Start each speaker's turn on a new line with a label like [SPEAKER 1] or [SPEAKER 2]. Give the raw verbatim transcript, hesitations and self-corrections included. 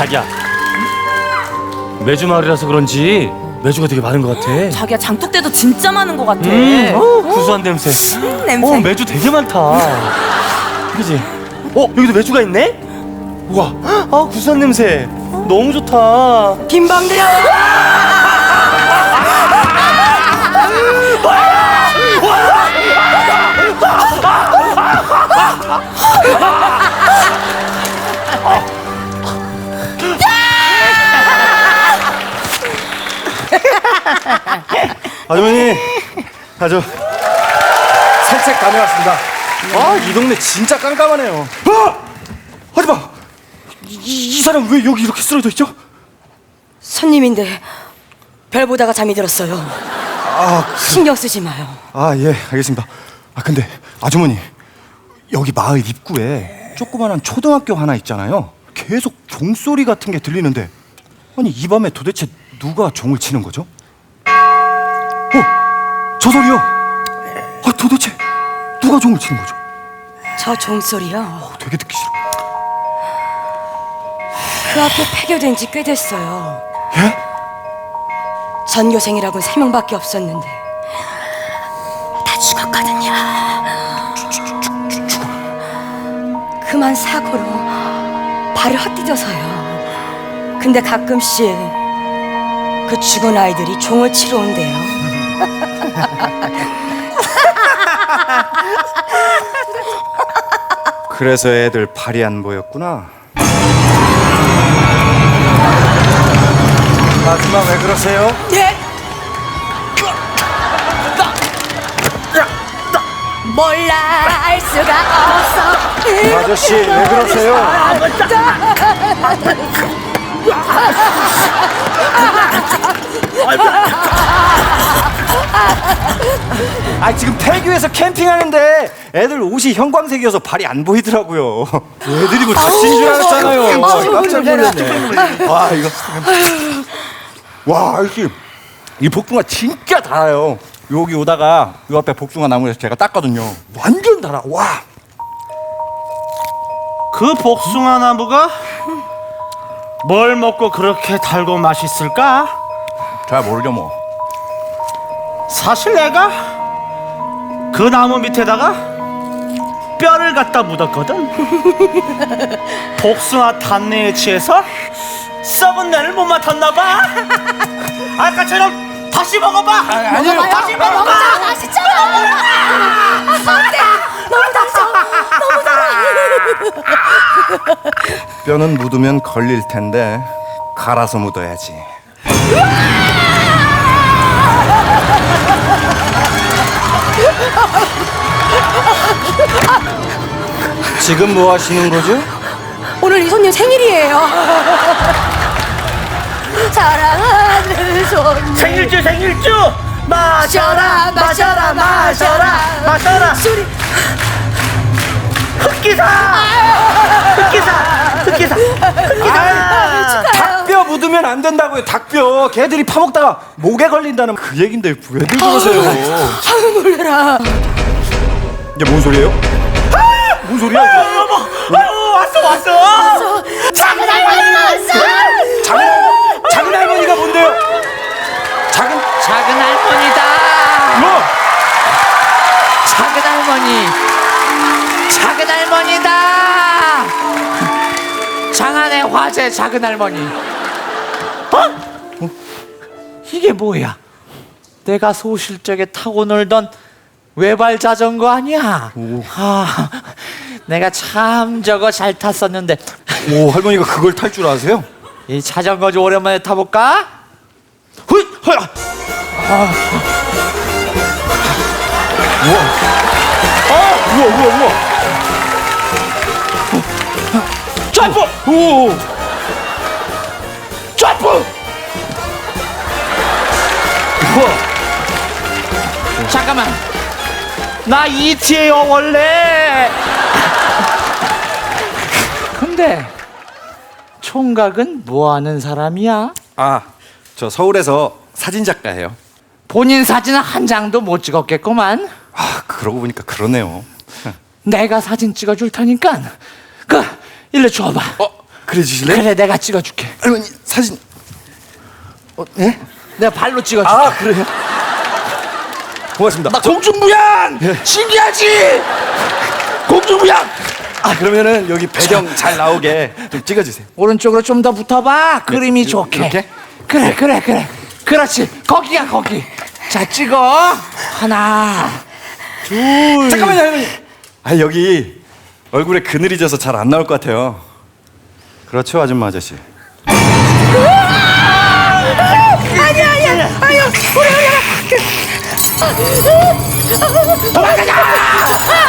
[SPEAKER 1] 자기야, 매주 마을이라서 그런지 매주가 되게 많은 것 같아.
[SPEAKER 2] 자기야, 장독대도 진짜 많은 것 같아.
[SPEAKER 1] 음, 어, 구수한 냄새.
[SPEAKER 2] 음, 냄새.
[SPEAKER 1] 어, 매주 되게 많다. 그지? 어, 여기도 매주가 있네? 우와, 아, 구수한 냄새. 너무 좋다.
[SPEAKER 2] 김방대야.
[SPEAKER 3] 아주머니, 아주 산책 다녀왔습니다. 아, 이 동네 진짜 깜깜하네요. 아! 하지마! 이, 이 사람 왜 여기 이렇게 쓰러져 있죠?
[SPEAKER 2] 손님인데 별 보다가 잠이 들었어요.
[SPEAKER 3] 아,
[SPEAKER 2] 신경 쓰지 마요.
[SPEAKER 3] 아, 예, 알겠습니다. 아, 근데 아주머니, 여기 마을 입구에 조그만한 초등학교 하나 있잖아요. 계속 종소리 같은 게 들리는데, 아니 이 밤에 도대체 누가 종을 치는 거죠? 어, 저 소리요. 아, 도대체 누가 종을 치는 거죠?
[SPEAKER 2] 저 종소리요.
[SPEAKER 3] 어, 되게 듣기 싫어.
[SPEAKER 2] 그 앞에 폐교된 지 꽤 됐어요.
[SPEAKER 3] 예?
[SPEAKER 2] 전교생이라고는 세 명밖에 없었는데 다 죽었거든요. 그만 사고로 발을 헛디뎌서요. 근데 가끔씩 그 죽은 아이들이 종을 치러 온대요.
[SPEAKER 3] 그래서 애들 발이 안 보였구나. 아줌마 왜 그러세요?
[SPEAKER 2] 예? 몰라 알 수가 없어.
[SPEAKER 3] 아저씨 왜 그러세요? 아, 지금 폐교에서 캠핑하는데 애들 옷이 형광색이어서 발이 안 보이더라고요. 애들이 뭐 다친 줄 알았잖아요.
[SPEAKER 2] 아우,
[SPEAKER 3] 깜짝
[SPEAKER 2] 놀래라.
[SPEAKER 3] 놀랐네. 와, 이거 와, 아저씨 이 복숭아 진짜 달아요. 여기 오다가 이 앞에 복숭아 나무에서 제가 땄거든요. 완전 달아. 와.
[SPEAKER 4] 그 복숭아 나무가 뭘 먹고 그렇게 달고 맛있을까?
[SPEAKER 3] 잘 모르죠 뭐.
[SPEAKER 4] 사실 내가 그 나무 밑에다가 뼈를 갖다 묻었거든. 복숭아 단내에 취해서 썩은 내를 못 맡았나 봐. 아까처럼 다시 먹어봐.
[SPEAKER 3] 아니요.
[SPEAKER 4] 다시 먹어봐.
[SPEAKER 2] 맛있잖아. 안돼. 너무 달죠. 너무 달아.
[SPEAKER 3] 뼈는 묻으면 걸릴 텐데 갈아서 묻어야지. 지금 뭐 하시는 거죠?
[SPEAKER 2] 오늘 이 손님 생일이에요. 사랑하는 손님.
[SPEAKER 4] 생일주 생일주 마셔라 마셔라 마셔라 마셔라.
[SPEAKER 2] 술이
[SPEAKER 4] 흑기사 흑기사 흑기사 흑기사.
[SPEAKER 3] 닭뼈 묻으면 안 된다고요. 닭뼈. 걔들이 파먹다가 목에 걸린다는 그 얘긴데 왜들 그러세요?
[SPEAKER 2] 아유 놀래라.
[SPEAKER 3] 이게 뭔 소리예요? 아! 뭔 소리야 이거?
[SPEAKER 4] 여보, 아유, 왔어 왔어.
[SPEAKER 2] 작은 할머니 왔어.
[SPEAKER 3] 작은, 작은 할머니가 뭔데요? 작은
[SPEAKER 5] 작은 할머니다.
[SPEAKER 3] 뭐?
[SPEAKER 5] 작은 할머니. 작은 할머니다. 장안의 화제 작은 할머니. 어? 이게 뭐야? 내가 소실적에 타고 놀던 외발 자전거 아니야? 아, 내가 참 저거 잘 탔었는데.
[SPEAKER 3] 오, 할머니가 그걸 탈 줄 아세요?
[SPEAKER 5] 이 자전거 좀 오랜만에 타볼까?
[SPEAKER 3] 훗! 헐! 아. 우와. 아, 우와, 우와, 우와.
[SPEAKER 5] 점프!
[SPEAKER 3] 오!
[SPEAKER 5] 점프!
[SPEAKER 3] 우와.
[SPEAKER 5] 잠깐만. 나 이티예요 원래. 근데 총각은 뭐 하는 사람이야?
[SPEAKER 3] 아, 저 서울에서 사진 작가예요.
[SPEAKER 5] 본인 사진 한 장도 못 찍었겠구만.
[SPEAKER 3] 아, 그러고 보니까 그러네요.
[SPEAKER 5] 내가 사진 찍어줄 테니까 그 일로 줘봐.
[SPEAKER 3] 어, 그래 주실래요?
[SPEAKER 5] 그래, 내가 찍어줄게.
[SPEAKER 3] 할머니 사진. 어, 예?
[SPEAKER 5] 내가 발로 찍어줄게.
[SPEAKER 3] 아 그래요? 고맙습니다.
[SPEAKER 5] 나 공중부양!
[SPEAKER 3] 예.
[SPEAKER 5] 신기하지? 공중부양!
[SPEAKER 3] 아 그러면은 여기 배경 잘 나오게 좀 찍어주세요.
[SPEAKER 5] 오른쪽으로 좀 더 붙어봐. 그림이
[SPEAKER 3] 이-
[SPEAKER 5] 좋게.
[SPEAKER 3] 이렇게?
[SPEAKER 5] 그래, 그래, 그래. 그렇지. 거기야, 거기. 자, 찍어. 하나.
[SPEAKER 3] 잠깐만요 할머니. 아 여기 얼굴에 그늘이 져서 잘 안 나올 것 같아요. 그렇죠 아줌마 아저씨.
[SPEAKER 2] 아니야 아니야 아유 우리 우리
[SPEAKER 5] 도망가자!